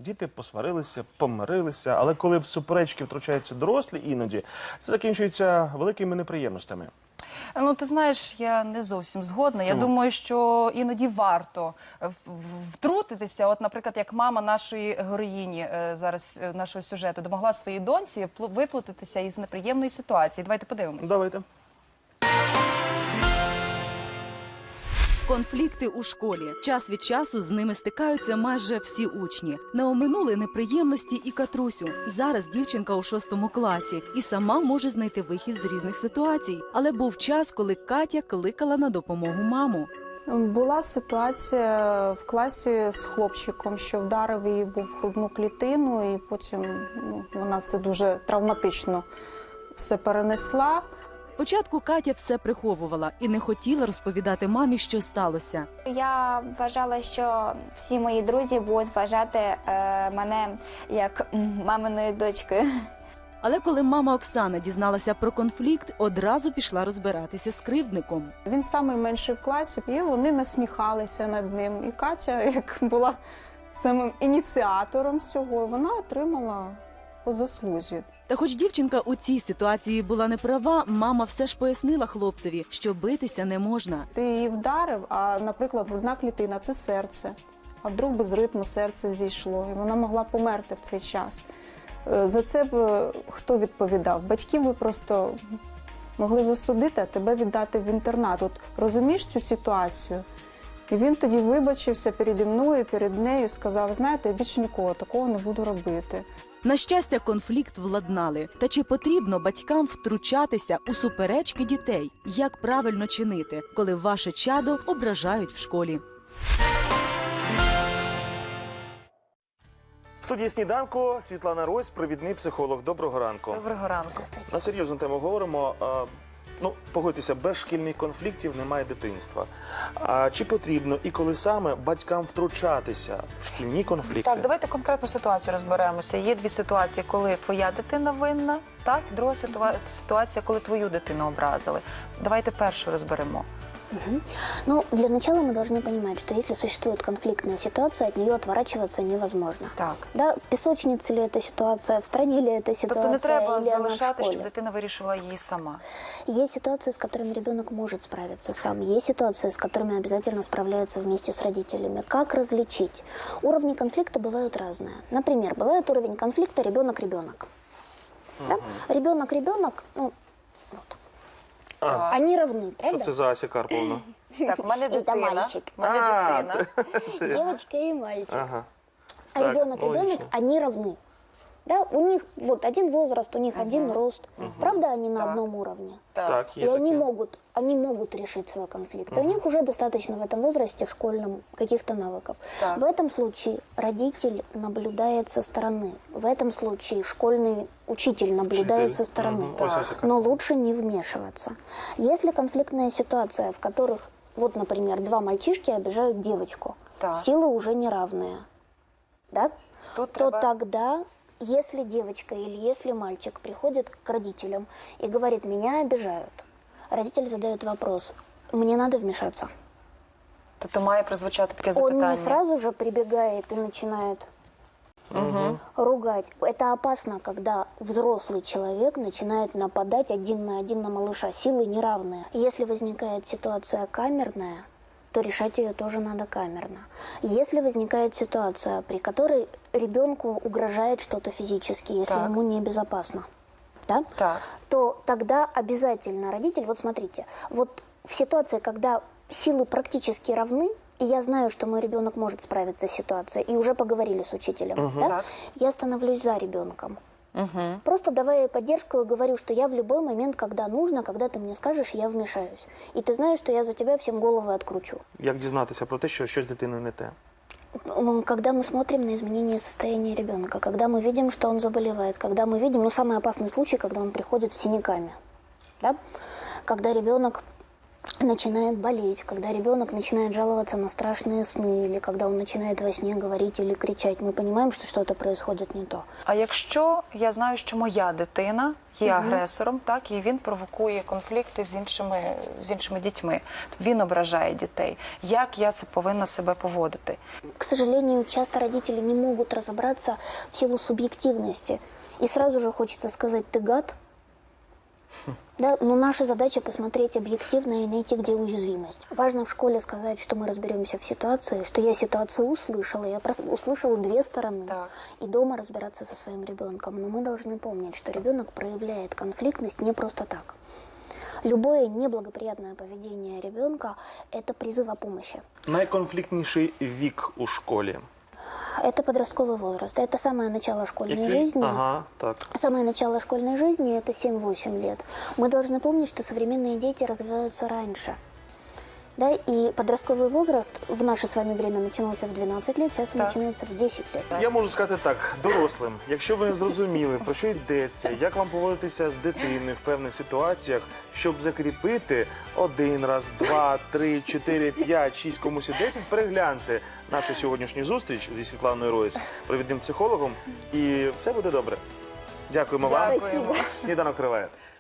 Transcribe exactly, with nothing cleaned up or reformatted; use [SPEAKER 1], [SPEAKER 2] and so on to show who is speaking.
[SPEAKER 1] Діти посварилися, помирилися, але коли в суперечки втручаються дорослі іноді, це закінчується великими неприємностями.
[SPEAKER 2] Ну, ти знаєш, я не зовсім згодна.
[SPEAKER 1] Чому?
[SPEAKER 2] Я думаю, що іноді варто в- в- втрутитися. От, наприклад, як мама нашої героїні е, зараз е, нашого сюжету допомогла своїй доньці вплу- виплутатися із неприємної ситуації. Давайте подивимося.
[SPEAKER 1] Давайте.
[SPEAKER 3] Конфлікти у школі. Час від часу з ними стикаються майже всі учні. Не оминули неприємності і Катрусю. Зараз дівчинка у шостому класі і сама може знайти вихід з різних ситуацій. Але був час, коли Катя кликала на допомогу маму.
[SPEAKER 4] Була ситуація в класі з хлопчиком, що вдарив її був в грудну клітину, і потім ну, вона це дуже травматично все перенесла.
[SPEAKER 3] Спочатку Катя все приховувала і не хотіла розповідати мамі, що сталося.
[SPEAKER 5] Я вважала, що всі мої друзі будуть вважати е, мене як м, маминою дочкою.
[SPEAKER 3] Але коли мама Оксана дізналася про конфлікт, одразу пішла розбиратися з кривдником.
[SPEAKER 4] Він самий менший в класі, і вони насміхалися над ним. І Катя, як була самим ініціатором всього, вона отримала по заслузі.
[SPEAKER 3] Та хоч дівчинка у цій ситуації була не права, мама все ж пояснила хлопцеві, що битися не можна.
[SPEAKER 4] Ти її вдарив, а, наприклад, грудна клітина – це серце. А вдруг без ритму серце зійшло, і вона могла померти в цей час. Е, За це б е, хто відповідав? Батьків би просто могли засудити, а тебе віддати в інтернат. От розумієш цю ситуацію? І він тоді вибачився переді мною, перед нею, сказав, знаєте, я більше нікого такого не буду робити.
[SPEAKER 3] На щастя, конфлікт владнали. Та чи потрібно батькам втручатися у суперечки дітей? Як правильно чинити, коли ваше чадо ображають в школі?
[SPEAKER 1] В студії «Сніданку» Світлана Рось, провідний психолог. Доброго ранку.
[SPEAKER 2] Доброго ранку.
[SPEAKER 1] На серйозну тему говоримо. А, Ну, погодьтеся, без шкільних конфліктів немає дитинства. А чи потрібно і коли саме батькам втручатися в шкільні конфлікти?
[SPEAKER 2] Так, давайте конкретну ситуацію розберемося. Є дві ситуації, коли твоя дитина винна, так? Друга ситуа- ситуація, коли твою дитину образили. Давайте першу розберемо.
[SPEAKER 6] Мгм. Ну, для начала мы должны понимать, что если существует конфликтная ситуация, от нее отворачиваться невозможно.
[SPEAKER 2] Так.
[SPEAKER 6] Да, в песочнице ли эта ситуация, в стране ли эта ситуация,
[SPEAKER 2] Тобто не треба
[SPEAKER 6] или она в
[SPEAKER 2] залишати, щоб
[SPEAKER 6] школе.
[SPEAKER 2] дитина вирішила її сама.
[SPEAKER 6] Есть ситуации, с которыми ребенок может справиться сам. Есть ситуации, с которыми обязательно справляются вместе с родителями. Как различить? Уровни конфликта бывают разные. Например, бывает уровень конфликта ребенок-ребенок. Да? Ребенок-ребенок, ну, вот.
[SPEAKER 1] А,
[SPEAKER 6] Они равны,
[SPEAKER 1] що
[SPEAKER 6] правда?
[SPEAKER 1] це за Ася Карповна?
[SPEAKER 2] Так, у мене
[SPEAKER 6] Это
[SPEAKER 2] дитина.
[SPEAKER 6] мальчик.
[SPEAKER 2] У мене
[SPEAKER 1] А,
[SPEAKER 2] дитина.
[SPEAKER 6] Девочка и мальчик.
[SPEAKER 1] Ага.
[SPEAKER 6] А
[SPEAKER 1] Так,
[SPEAKER 6] ребенок,
[SPEAKER 1] ну,
[SPEAKER 6] ребенок,
[SPEAKER 1] логично.
[SPEAKER 6] они равны. Да, у них вот один возраст, у них один рост. Правда, они на
[SPEAKER 2] Так.
[SPEAKER 6] одном уровне.
[SPEAKER 2] Так.
[SPEAKER 1] Так, є
[SPEAKER 6] И они
[SPEAKER 1] таке.
[SPEAKER 6] могут, они могут решить свой конфликт. И у них уже достаточно в этом возрасте, в школьном, каких-то навыков.
[SPEAKER 2] Так.
[SPEAKER 6] В этом случае родитель наблюдает со стороны. В этом случае школьный учитель наблюдает
[SPEAKER 1] Вчитель.
[SPEAKER 6] со стороны.
[SPEAKER 1] Мгм. Ось Ася
[SPEAKER 6] Но
[SPEAKER 1] Карповна.
[SPEAKER 6] лучше не вмешиваться. Если конфликтная ситуация, в которых, вот, например, два мальчишки обижают девочку,
[SPEAKER 2] Так.
[SPEAKER 6] силы уже неравные, да?
[SPEAKER 2] Тут
[SPEAKER 6] то
[SPEAKER 2] треба...
[SPEAKER 6] тогда, если девочка или если мальчик приходит к родителям и говорит, меня обижают, родитель задает вопрос, мне надо вмешаться.
[SPEAKER 2] Тобто має прозвучати таке
[SPEAKER 6] Он
[SPEAKER 2] запитання.
[SPEAKER 6] не сразу же прибегает и начинает
[SPEAKER 1] Мгм.
[SPEAKER 6] ругать. Это опасно, когда взрослый человек начинает нападать один на один на малыша. Силы неравные. Если возникает ситуация камерная, то решать ее тоже надо камерно. Если возникает ситуация, при которой ребенку угрожает что-то физически, если
[SPEAKER 2] Так.
[SPEAKER 6] ему небезопасно, да,
[SPEAKER 2] Так.
[SPEAKER 6] то тогда обязательно родитель, вот смотрите, вот в ситуации, когда силы практически равны, и я знаю, что мой ребенок может справиться с ситуацией, и уже поговорили с учителем, да,
[SPEAKER 2] Так.
[SPEAKER 6] я становлюсь за ребенком.
[SPEAKER 2] Угу.
[SPEAKER 6] Просто давая ей поддержку и говорю, что я в любой момент, когда нужно, когда ты мне скажешь, я вмешаюсь. И ты знаешь, что я за тебя всем головы откручу.
[SPEAKER 1] Як дізнатися про те, що щось з дитиною не те?
[SPEAKER 6] М, Когда мы смотрим на изменение состояния ребенка, когда мы видим, что он заболевает, когда мы видим, ну, самый опасный случай, когда он приходит с синяками, да? Когда ребенок начинает болеть, когда ребенок начинает жаловаться на страшные сны, или когда он начинает во сне говорить или кричать, мы понимаем, что что-то происходит не то.
[SPEAKER 2] А якщо я знаю, що моя дитина є агресором, так, і він провокує конфлікти з іншими, з іншими дітьми, він ображає дітей, як я це повинна себе поводити?
[SPEAKER 6] К сожалению, часто родители не могут разобраться в силу субъективности. И сразу же хочется сказать: ты гад. Да, но наша задача посмотреть объективно и найти, где уязвимость. Важно в школе сказать, что мы разберемся в ситуации, что я ситуацию услышала, я прос- услышала две стороны.
[SPEAKER 2] Так.
[SPEAKER 6] И дома разбираться со своим ребенком. Но мы должны помнить, что ребенок проявляет конфликтность не просто так. Любое неблагоприятное поведение ребенка – это призыв о помощи.
[SPEAKER 1] Найконфліктніший вік у школі.
[SPEAKER 6] Это подростковый возраст. Это самое начало школьной
[SPEAKER 1] Який?
[SPEAKER 6] жизни.
[SPEAKER 1] Ага, так.
[SPEAKER 6] Самое начало школьной жизни – это семь-восемь лет. Мы должны помнить, что современные дети развиваются раньше. Да, и подростковый возраст в наше с вами время начинался в двенадцать лет, сейчас он
[SPEAKER 2] Так.
[SPEAKER 6] начинается в десять лет.
[SPEAKER 1] Я можу сказати так, дорослим, якщо ви не зрозуміли, про що йдеться, як вам поводитися з дитиною в певних ситуаціях, щоб закріпити один раз, два, три, чотири, п'ять, шість, комусь і десять, перегляньте нашу сьогоднішню зустріч зі Світланою Ройс, провідним психологом, і все буде добре. Дякуємо вам.
[SPEAKER 2] Дякуємо.
[SPEAKER 1] Сніданок триває.